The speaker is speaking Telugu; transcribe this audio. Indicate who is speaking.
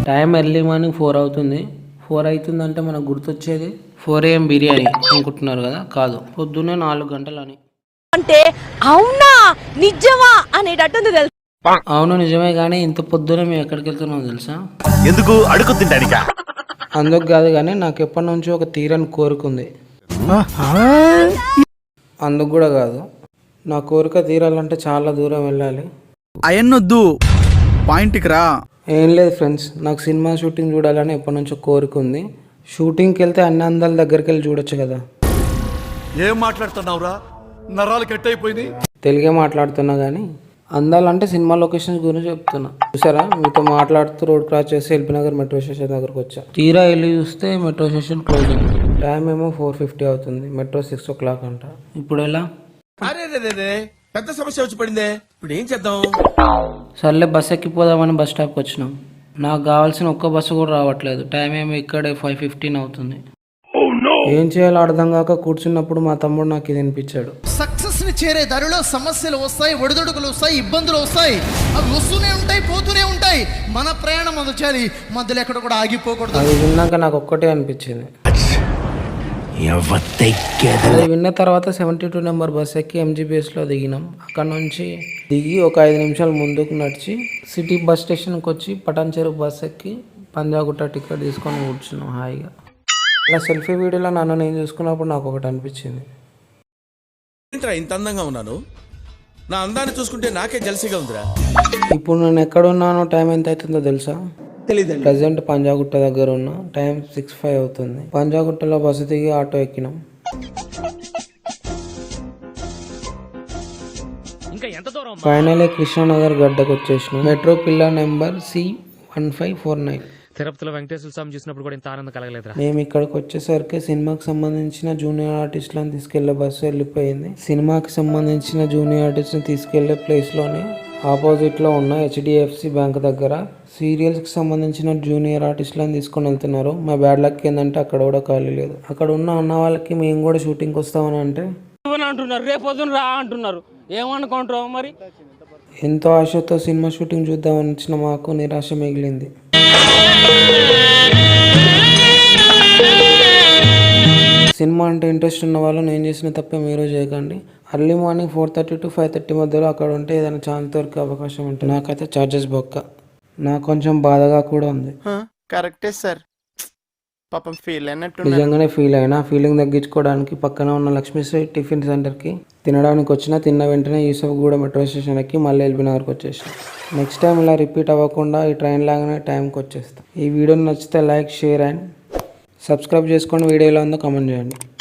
Speaker 1: టైం ఎర్లీ మార్నింగ్ 4 అవుతుంది. 4 అవుతుందంటే మనకు గుర్తొచ్చేది 4 AM బిర్యానీ అనుకుంటున్నారు కదా, కాదు, పొద్దున్నే 4 గంటలని.
Speaker 2: అంటే అవునా నిజమా అనేటట్టుంది తెలుసు.
Speaker 1: అవును నిజమే, కానీ ఇంత పొద్దునే మేము ఎక్కడికి వెళ్తున్నాం తెలుసా?
Speaker 3: ఎందుకు అడుగు తింటానికా?
Speaker 1: అందుకు కాదు, కానీ నాకు ఎప్పటి నుంచో ఒక తీరని కోరుకుంది. అందుకు కూడా కాదు, నా కోరిక తీరాలంటే చాలా దూరం వెళ్ళాలి.
Speaker 4: అయన్నొద్దు, పాయింట్కి రా.
Speaker 1: ఏం లేదు ఫ్రెండ్స్, నాకు సినిమా షూటింగ్ చూడాలని ఎప్పటి నుంచో కోరిక ఉంది. షూటింగ్కి వెళ్తే అన్ని అందాల దగ్గరికి వెళ్ళి చూడొచ్చు కదా.
Speaker 3: ఏం మాట్లాడుతున్నావురా? నరాలు కట్ అయిపోయింది.
Speaker 1: తెలుగే మాట్లాడుతున్నా, కానీ అందాలంటే సినిమా లొకేషన్స్ గురించి చెప్తున్నా. చూసారా, మీతో మాట్లాడుతూ రోడ్ క్రాస్ చేసి ఎల్బీనగర్ మెట్రో స్టేషన్ దగ్గరకు వచ్చా. తీరా వెళ్ళి చూస్తే మెట్రో స్టేషన్ క్లోజ్ ఉంది. టైం ఏమో 4:50 అవుతుంది. మెట్రో 6 o'clock అంట. ఇప్పుడు ఎలా?
Speaker 5: పెద్ద సమస్య వచ్చి పడిందే, ఇప్పుడు ఏం చేద్దాం?
Speaker 1: సర్లే బస్ ఎక్కిపోదామని బస్ స్టాప్కి వచ్చినాం. నాకు కావాల్సిన ఒక్క బస్సు కూడా రావట్లేదు. టైం ఏమో ఇక్కడే 5:15 అవుతుంది. ఏం చేయాలో అర్థం కాక కూర్చున్నప్పుడు మా తమ్ముడు నాకు ఇది వినిపించాడు.
Speaker 4: సక్సెస్ ని చేరే దారిలో సమస్యలు వస్తాయి, ఒడిదొడుకులు వస్తాయి, ఇబ్బందులు వస్తాయి. అవి వస్తూనే ఉంటాయి, పోతూనే ఉంటాయి. మన ప్రయాణం మొదచాలి, మధ్యలో ఎక్కడ కూడా ఆగిపోకూడదు.
Speaker 1: అది విన్నాక నాకు ఒక్కటే అనిపించింది. అది విన్న తర్వాత 72 నెంబర్ బస్ ఎక్కి MGBSలో దిగినాం. అక్కడ నుంచి దిగి ఒక 5 నిమిషాలు ముందుకు నడిచి సిటీ బస్ స్టేషన్కి వచ్చి పటాన్ చెరువు బస్ ఎక్కి పంజాగుట్ట టికెట్ తీసుకొని కూర్చున్నాం హాయిగా. ఇలా సెల్ఫీ వీడియోలో నన్ను నేను చూసుకున్నప్పుడు నాకు ఒకటి అనిపించింది.
Speaker 5: ఇంత అందంగా ఉన్నాను, నా అందాన్ని చూసుకుంటే నాకే జలసిగా ఉందిరా.
Speaker 1: ఇప్పుడు నేను ఎక్కడున్నానో, టైం ఎంత అవుతుందో తెలుసా?
Speaker 5: తెలీదు.
Speaker 1: ప్రజెంట్ పంజాగుట్ట దగ్గర ఉన్న. టైం 6:05 అవుతుంది. పంజాగుట్టలో బస్సు దిగి ఆటో ఎక్కినాం. ఫైనలీ కృష్ణానగర్ గడ్డకు వచ్చేసినాం. Metro pillar number C1549.
Speaker 6: తిరుపతిలో వెంకటేశ్వర స్వామి చూసినప్పుడు కూడా ఇంత ఆనందం కలగలేదురా.
Speaker 1: మేము ఇక్కడికి వచ్చేసరికి సినిమాకి సంబంధించిన జూనియర్ ఆర్టిస్టులను తీసుకెళ్లే బస్సు వెళ్ళిపోయింది. సినిమాకి సంబంధించిన జూనియర్ ఆర్టిస్ట్ని తీసుకెళ్లే ప్లేస్లోనే ఆపోజిట్లో ఉన్న HDFC బ్యాంక్ దగ్గర సీరియల్స్కి సంబంధించిన జూనియర్ ఆర్టిస్టులను తీసుకొని వెళ్తున్నారు. మా బ్యాడ్ లక్ ఏంటంటే అక్కడ కూడా ఖాళీ లేదు. అక్కడ ఉన్న అన్న వాళ్ళకి మేము కూడా షూటింగ్కి వస్తామని అంటే
Speaker 7: అంటున్నారు, రేపొద్దున రా అంటున్నారు. ఏమనుకుంటారు మరి?
Speaker 1: ఎంతో ఆశతో సినిమా షూటింగ్ చూద్దామని వచ్చిన మాకు నిరాశ మిగిలింది. సినిమా అంటే ఇంట్రెస్ట్ ఉన్న వాళ్ళు నేను చేసిన తప్పే మీరు చేయకండి. ఎర్లీ మార్నింగ్ 4:30 to 5:30 మధ్యలో అక్కడ ఉంటే ఏదైనా ఛాన్స్ దొరికే అవకాశం ఉంటుంది. నాకైతే ఛార్జెస్ బొక్క. నాకు కొంచెం బాధగా కూడా ఉంది.
Speaker 4: కరెక్టే సార్, పాపం ఫీల్ అయినట్టు.
Speaker 1: నిజంగానే ఫీల్ అయినా. ఫీలింగ్ తగ్గించుకోవడానికి పక్కన ఉన్న లక్ష్మీశ్రీ టిఫిన్ సెంటర్కి తినడానికి వచ్చిన. తిన్న వెంటనే యూసఫ్గూడ మెట్రో స్టేషన్ ఎక్కి మళ్ళీ ఎల్బీనగర్కి వచ్చేసాం. నెక్స్ట్ టైం ఇలా రిపీట్ అవ్వకుండా ఈ ట్రైన్ లాగానే టైంకి వచ్చేస్తాం. ఈ వీడియో నచ్చితే లైక్, షేర్ అండ్ సబ్స్క్రైబ్ చేసుకోండి. వీడియో ఎలా ఉందో కామెంట్ చేయండి.